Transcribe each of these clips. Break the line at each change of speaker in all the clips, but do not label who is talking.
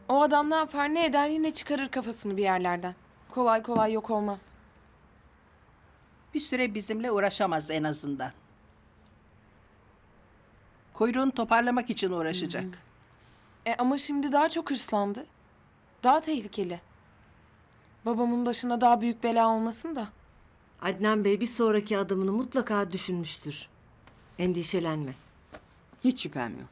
O adam ne yapar ne eder yine çıkarır kafasını bir yerlerden. Kolay kolay yok olmaz.
Bir süre bizimle uğraşamaz en azından. Kuyruğunu toparlamak için uğraşacak.
Ama şimdi daha çok hırslandı. Daha tehlikeli. Babamın başına daha büyük bela olmasın da.
Adnan Bey bir sonraki adımını mutlaka düşünmüştür. Endişelenme.
Hiç şüphem yok.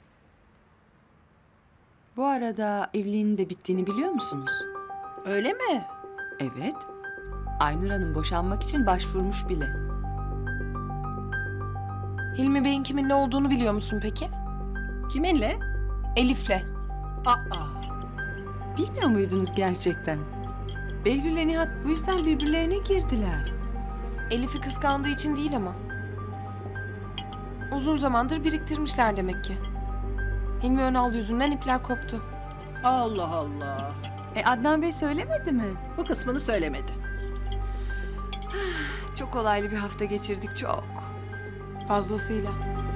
Bu arada evliliğinin de bittiğini biliyor musunuz?
Öyle mi?
Evet. Aynur Hanım boşanmak için başvurmuş bile.
Hilmi Bey'in kiminle olduğunu biliyor musun peki?
Kiminle?
Elif'le.
Aa,
Bilmiyor muydunuz gerçekten? Behlül'le Nihat bu yüzden birbirlerine girdiler.
Elif'i kıskandığı için değil ama. Uzun zamandır biriktirmişler demek ki. Hilmi Önal yüzünden ipler koptu.
Allah Allah.
Adnan Bey söylemedi mi?
Bu kısmını söylemedi.
Çok olaylı bir hafta geçirdik, çok.
Fazlasıyla.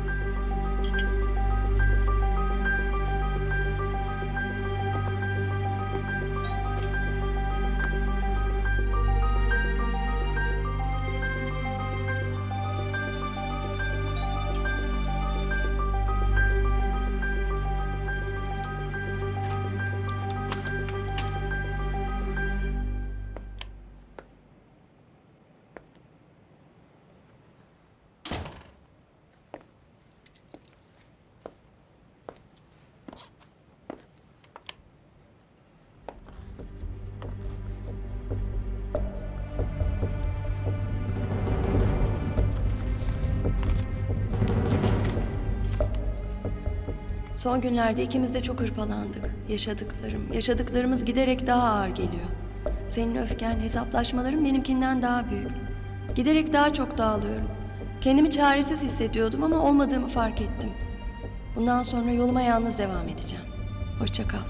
Son günlerde ikimiz de çok hırpalandık. Yaşadıklarımız giderek daha ağır geliyor. Senin öfken, hesaplaşmaların benimkinden daha büyük. Giderek daha çok dağılıyorum. Kendimi çaresiz hissediyordum ama olmadığımı fark ettim. Bundan sonra yoluma yalnız devam edeceğim. Hoşça kal.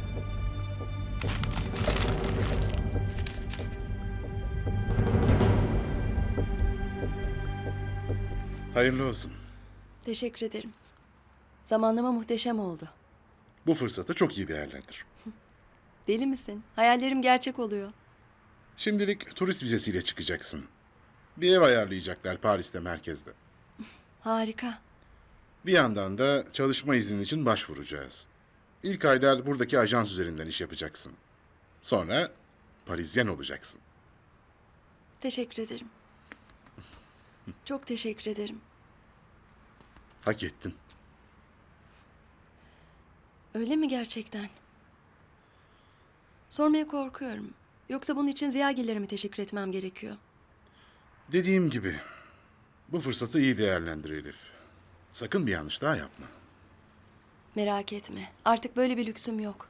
Hayırlı olsun.
Teşekkür ederim. Zamanlama muhteşem oldu.
Bu fırsatı çok iyi değerlendir.
Deli misin? Hayallerim gerçek oluyor.
Şimdilik turist vizesiyle çıkacaksın. Bir ev ayarlayacaklar Paris'te merkezde.
Harika.
Bir yandan da çalışma izni için başvuracağız. İlk aylar buradaki ajans üzerinden iş yapacaksın. Sonra Parisyen olacaksın.
Teşekkür ederim. Çok teşekkür ederim.
Hak ettin.
Öyle mi gerçekten? Sormaya korkuyorum. Yoksa bunun için Ziyagiller'e mi teşekkür etmem gerekiyor?
Dediğim gibi bu fırsatı iyi değerlendir Elif. Sakın bir yanlış daha yapma.
Merak etme. Artık böyle bir lüksüm yok.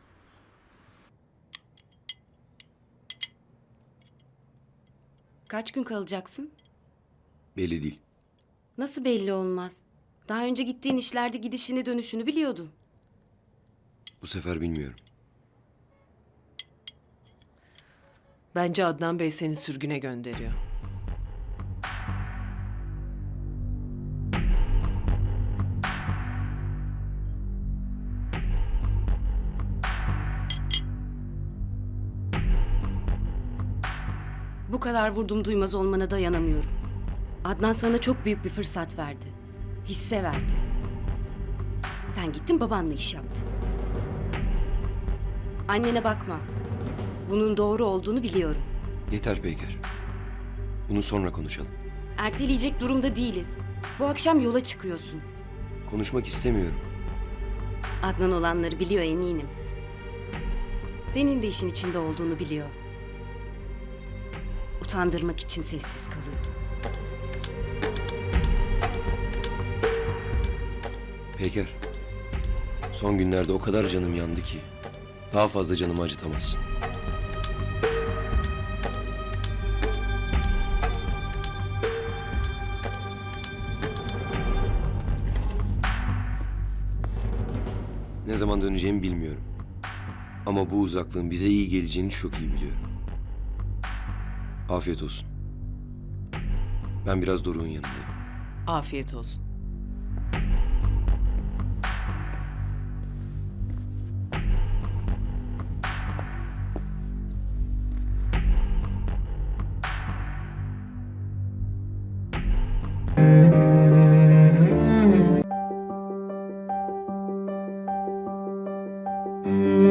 Kaç gün kalacaksın?
Belli değil.
Nasıl belli olmaz? Daha önce gittiğin işlerde gidişini dönüşünü biliyordun.
Bu sefer bilmiyorum.
Bence Adnan Bey seni sürgüne gönderiyor.
Bu kadar vurdum duymaz olmana dayanamıyorum. Adnan sana çok büyük bir fırsat verdi. Hisse verdi. Sen gittin babanla iş yaptın. Annene bakma. Bunun doğru olduğunu biliyorum.
Yeter Peyker. Bunu sonra konuşalım.
Erteleyecek durumda değiliz. Bu akşam yola çıkıyorsun.
Konuşmak istemiyorum.
Adnan olanları biliyor eminim. Senin de işin içinde olduğunu biliyor. Utandırmak için sessiz kalıyor.
Peyker. Son günlerde o kadar canım yandı ki daha fazla canımı acıtamazsın. Ne zaman döneceğimi bilmiyorum. Ama bu uzaklığın bize iyi geleceğini çok iyi biliyorum. Afiyet olsun. Ben biraz Doruk'un yanındayım.
Afiyet olsun.
Müzik